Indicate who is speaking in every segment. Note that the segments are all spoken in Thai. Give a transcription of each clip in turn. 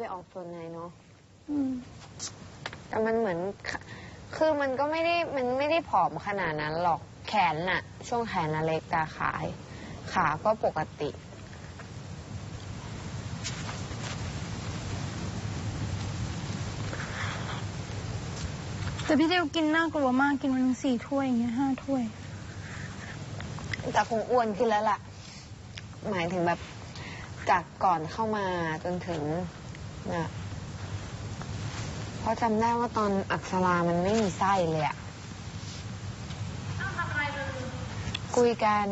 Speaker 1: ออกส่วนไหนเนาะแต่มันเหมือนคือมันก็ไม่ได้ผอมขนาดนั้นหรอกแขนน่ะช่วงแขนน่ะเล็กตาขาก็ปกติ
Speaker 2: แต่พี่เดียวกินน่ากลัวมากกินวัน4 ถ้วยอย่างเงี้ย5 ถ้วย
Speaker 1: แต่คงอ้วนขึ้นแล้วล่ะหมายถึงแบบจากก่อนเข้ามาจนถึงนะเพราะจำได้ว่าตอนอักษรามันไม่มีไส้เลยอะคุยกัน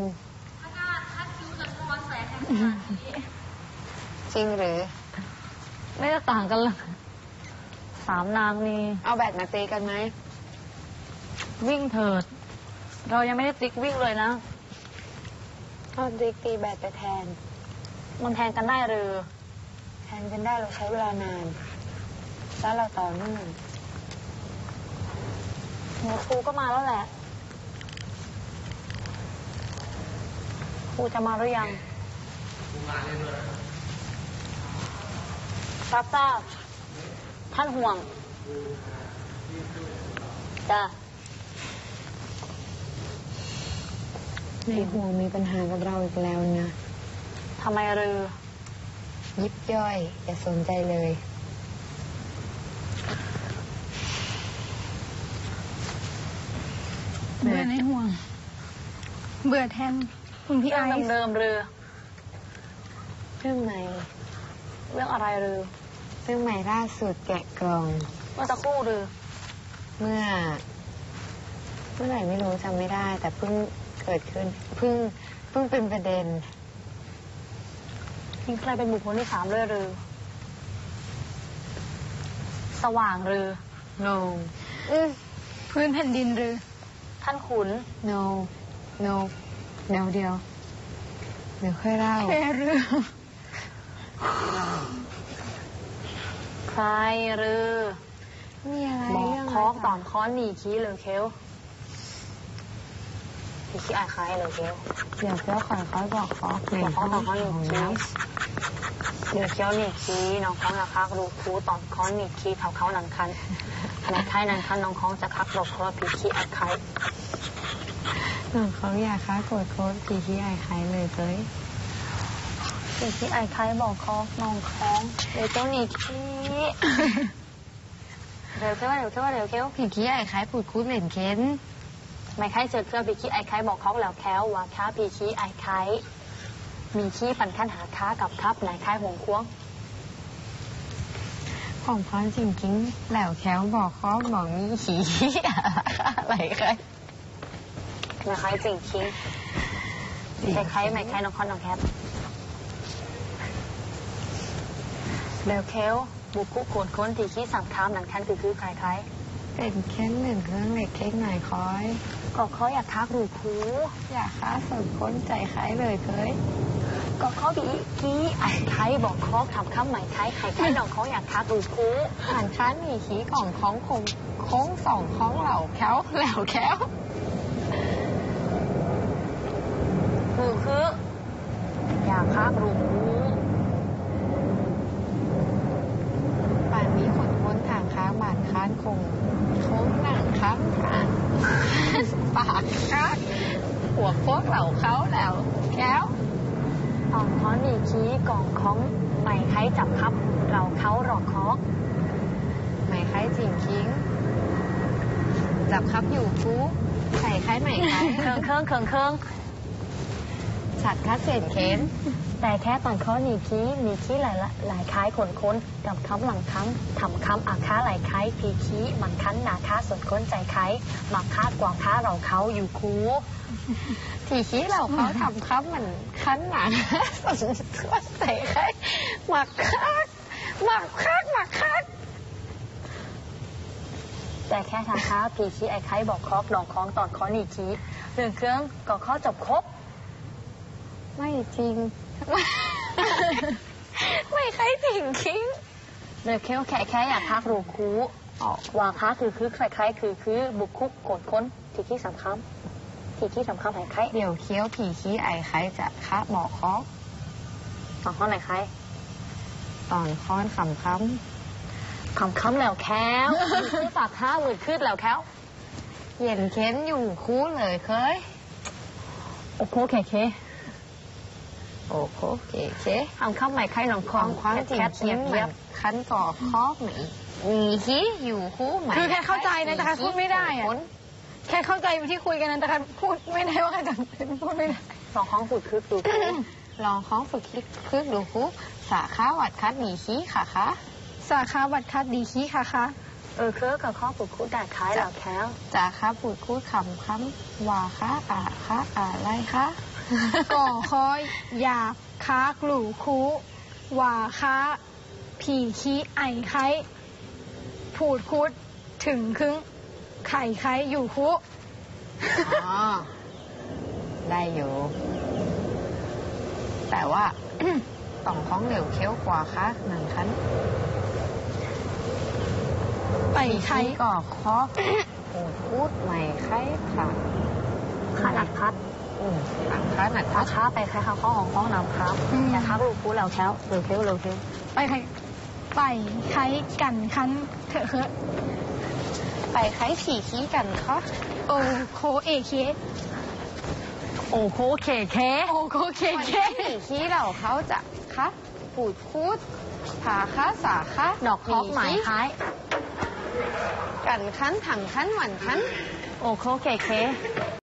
Speaker 1: จริงหรือ
Speaker 2: ไม่ได้ต่างกันเลย3 นางนี่
Speaker 1: เอาแบตมาตีกันไหม
Speaker 2: วิ่งเถิดเรายังไม่ได้ติ๊กวิ่งเลยนะ
Speaker 1: เอาตีแบตไปแทน
Speaker 2: มันแทนกันได้หรือ
Speaker 1: แทนกันได้เราใช้เวลานานแล้วเราต่อเนื่อง
Speaker 2: หัวครูก็มาแล้วแหละครูจะมาหรือยังมาเรื่อยๆรับทราบท่านห่วงจ้ะ
Speaker 1: ในห่วงมีปัญหากับเราอีกแล้วนะ
Speaker 2: ทำไมหรือ
Speaker 1: ยิบย่อยอย่าสนใจเลย
Speaker 2: เบื่อในห่วงเบื่อแทนคุณพี่ไอซ์เดิมเรือ
Speaker 1: เรื่องไหน
Speaker 2: เรื่องอะไรหรือ
Speaker 1: เรื่องใหม่ล่าสุดแกะกล่อง
Speaker 2: เมื่อสักครู่หรือ
Speaker 1: เมื่อไหร่ไม่รู้จำไม่ได้แต่เพิ่งเกิดขึ้นเพิ่งเป็นประเด็น
Speaker 2: มีใครเป็นบุคคลที่3เลยหรือสว่างหรือ
Speaker 1: no
Speaker 2: พื้นแผ่นดินหรือท่านขุน
Speaker 1: no เดี๋ยวค่อยเล่า
Speaker 2: แค่เรื่องใครหรือ
Speaker 1: มีอะไร
Speaker 2: บอกคอกตอนค้อนหนีขี้เลยเคี้ยวพี่ขี้อายใครเลยเคี้ยว
Speaker 1: เดี๋ยวเคี้ยวขอเขาบอกคอก
Speaker 2: บอกคอกตอนค้อนหนีขี้เดี๋ยวเคี้ยวหนีขี้น้องค้องจะคักรู้ครูตอนค้อนหนีขี้เขาหนังคันขณะท้ายนังคันน้องค้องจะคักหลบเพราะพี่ขี้อายใคร
Speaker 1: น้องเขาอยากค้าโกรธโค้ดพี่ขี้อายใครเลยเจ้ย
Speaker 2: พี่ขี้อายใครบอกคอกน้องค้องเดี๋ยวเจ้าหนีขี้เดี๋ยวเคี้ยว
Speaker 1: พี่ขี้ไอ้คล้ายปูดคูดเหม็นเค้น
Speaker 2: ไม่ใครเจอเครื่องพี่ขี้ไอ้ไข่บอกเขาแล้วแค้วว่าค้าพี่ขี้ไอ้ไข่มีขี้ปันขั้นหาค้ากับครับไหนไข่หงควง
Speaker 1: ของพรจริงจริงแล้วแค้วบอกเขาบอกมีขี้อะไรใคร
Speaker 2: ไม่ใครจริงจริงใครไม่ใครน้องคอนน้องแคปแล้วแค้วบุกคุกโขนค้นที่ขี้สั่งค้ามหนังคันคือใคร
Speaker 1: เป็นแค่หนึ่งเครื่องเล็กเค้กหน่อยคอย
Speaker 2: ก็เขาอยากทักหรือครู
Speaker 1: อยากค้าสดค้นใจคล้ายเลยเคย
Speaker 2: ก็เขาบีกี้ไอ้ไข่บอกเขาทำข้ามใหม่ไข่น้องเขาอยากทักหรือครู
Speaker 1: อ่านค้านมีขี้ของของคงโค้งสองของเหล่าแค้วแล้วแค้ว
Speaker 2: คืออยากทักหรือครู
Speaker 1: ป่านนี้คนค้นทางค้างบาดค้านคงโค้งหนังค้างผ่านปากค้างหัวโคกเหล่าเขาแล้วแก้ว
Speaker 2: ตอนค้อนมีขี้กล่องของไหมไข่จับครับเราเขาหลอกคอก
Speaker 1: ไหมไข่จริงคิงจับครับอยู่ฟูใส่ไข่ไหมไข่
Speaker 2: เครื่อง
Speaker 1: ฉัดคัดเศษเค้น
Speaker 2: แต่แค่ตอนเขามีขี้หลายคล้ายขนค้นกับคำหลังคำทำคำอาค้าหลายคล้ายพีขี้มันคั้นหนาค้าส่วนค้นใจคล้ายหมักคาดกว่าค้าเราเขาอยู่คู
Speaker 1: ทีขี้เราเขาทำครับมันคั้นหนาส่วนค้นใจคล้ายหมักคาด
Speaker 2: แต่แค่ทางค้าพีขี้ไอ้ไข่บอกคอกดองคล้องตอนค้อนีขี้เรื่องเครื่องก็ข้อจบครบ
Speaker 1: ไม่จริงไม่ใครจริงคิง
Speaker 2: เดี๋ยวแค่อยากทักรูคูวางค้าคือใครคือบุกคุกโกดค้นทีขี้สำคัญไอ้ไข่
Speaker 1: เดี๋ยวเคี้ยวผีขี้ไอ้ไข่จะค้าบอกคอก
Speaker 2: บอกข้อไหนไข่
Speaker 1: ตตอนค้อนคำ
Speaker 2: คำแล้วแค้วคือฝากห้ามือขึ้นแล้วแค้ว
Speaker 1: เย็นเค้นอยู่คู่เลยเคย
Speaker 2: โอ้โหเคเค
Speaker 1: โอ้โหเค
Speaker 2: คำใหม่ใครหนองค
Speaker 1: ค
Speaker 2: อ
Speaker 1: วาง มความจริง
Speaker 2: แคท
Speaker 1: คิ้
Speaker 2: เงี
Speaker 1: ม
Speaker 2: ยบ
Speaker 1: เหมื
Speaker 2: เงี
Speaker 1: อย น
Speaker 2: บ
Speaker 1: คันก่อคอกเหมือนมีขี้อยู่คู่ไหม
Speaker 3: คือแค่เข้าใจนะแต่แค่พูดไม่ได้อะแค่เข้าใจที่คุยกันนั้นแต่แค่พูดไม่ได้ว่าใครจะพูดไม่ได้
Speaker 2: สองห้องฝึกคึกดู
Speaker 1: ลองค้องฝึกคิดคึกดูคู่สาขาวัดคัดมีขี้ค่ะคะ
Speaker 3: สาขาบัตรคัดดีขี้ค่ะคะ
Speaker 2: เคอกับข้อฝึกคุดได้คล้ายแล้วแค้ว
Speaker 1: จาคะพูดคูดคำว่าคะอะไรคะ
Speaker 3: ก่อคอยหยาบค้ากลู่คูว่าค้าผีขี้ไอไข้ผูดคุดถึงครึ่งไข่ไข้อยู่คุ
Speaker 1: อ๋อ ได้อยู่ แต่ว่า ต่องค้องเหลวเคี้ยวกว่าคะหนึ่งคัน
Speaker 3: ไปไข้
Speaker 1: ก่อคอกพูดใหม่ไข้ค่ะ
Speaker 2: ขนาดพัด
Speaker 1: หลังคะหนัก
Speaker 2: พาค้าไปใครข้าข้อของข้องน้ำครับอย่าทักลูกคูแล้วแค้วเร็วเคี้ยวเร็วเคี้ยว
Speaker 3: ไปไข้ไปไข้กันคันเถอะเคอะ
Speaker 1: ไปไข้ผีขี้กันคะ
Speaker 3: โอโคเอเค
Speaker 2: โอ้โหเคเค
Speaker 3: โอโคเค
Speaker 1: วัน
Speaker 3: เค
Speaker 1: ที่ผีขี้เราเขาจะคะปูดคูดผาคะสาคะ
Speaker 2: ดอกคอกหมายคล้าย
Speaker 1: กันคันถังคันหวันคัน
Speaker 2: โอ้โหเคเค